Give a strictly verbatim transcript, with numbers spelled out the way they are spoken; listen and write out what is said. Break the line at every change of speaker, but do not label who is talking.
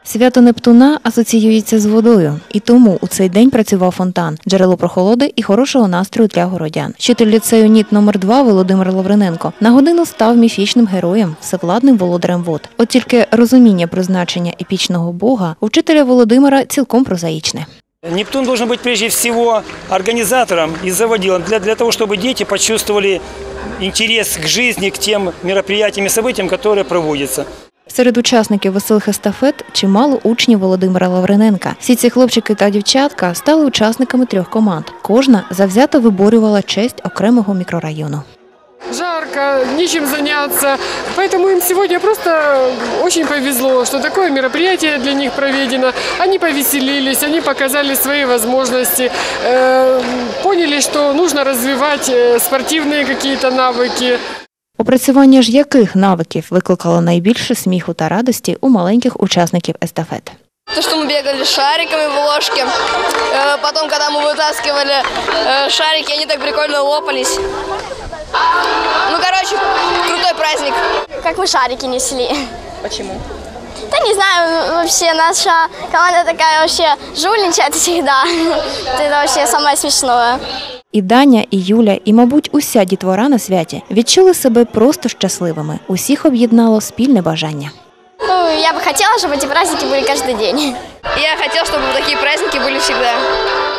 Свято Нептуна асоціюється з водою, і тому у цей день працював фонтан – джерело прохолоди і хорошого настрою для городян. Вчитель ліцею НІТ номер два Володимир Лавриненко на годину став міфічним героєм, всевладним володарем вод. От тільки розуміння призначення епічного бога у вчителя Володимира цілком прозаїчне.
Нептун должен быть прежде всего организатором и заводилом для, для того, чтобы дети почувствовали интерес к жизни, к тем мероприятиям и событиям, которые проводятся.
Серед учасників веселих естафет чимало учнів Володимира Лавриненка. Всі ці хлопчики та дівчатка стали учасниками трьох команд. Кожна завзято виборювала честь окремого мікрорайону.
Жарко, нечем заняться, поэтому им сегодня просто очень повезло, что такое мероприятие для них проведено. Они повеселились, они показали свои возможности, э, поняли, что нужно развивать спортивные какие-то навыки.
Опрацювання ж яких навиків викликало найбільше сміху та радості у маленьких учасників естафет?
То, что мы бегали с шариками в ложке, потом, когда мы вытаскивали шарики, они так прикольно лопались. Ну, короче, крутой праздник.
Как мы шарики несли.
Почему?
Да не знаю, вообще наша команда такая вообще жульничает всегда. Это вообще самое смешное.
І Даня, і Юля, і, мабуть, уся дітвора на святі відчули себе просто щасливими. Усіх об'єднало спільне бажання.
Ну, я бы хотела, чтобы эти праздники были каждый день.
Я хотела, чтобы такие праздники были всегда.